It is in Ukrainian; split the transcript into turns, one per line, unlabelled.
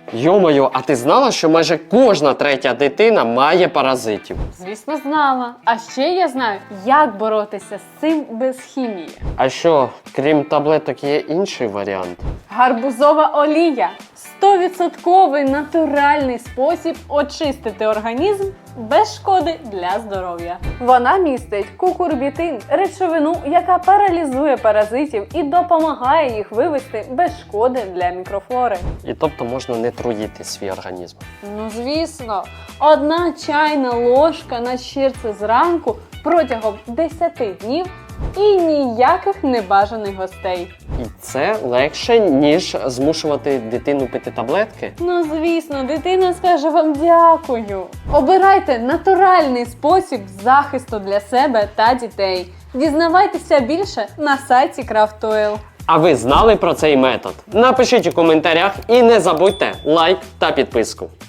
Йо-моє, а ти знала, що майже кожна третя дитина має паразитів?
Звісно, знала. А ще я знаю, як боротися з цим без хімії.
А що, крім таблеток, є інший варіант?
Гарбузова олія – 100% натуральний спосіб очистити організм без шкоди для здоров'я. Вона містить кукурбітин – речовину, яка паралізує паразитів і допомагає їх вивести без шкоди для мікрофлори.
І тобто можна не труїти свій організм.
Ну звісно, 1 чайна ложка на щирце зранку протягом 10 днів і ніяких небажаних гостей.
І це легше, ніж змушувати дитину пити таблетки?
Ну звісно, дитина скаже вам дякую. Обирайте натуральний спосіб захисту для себе та дітей. Дізнавайтеся більше на сайті Craft
А ви знали про цей метод? Напишіть у коментарях і не забудьте лайк та підписку.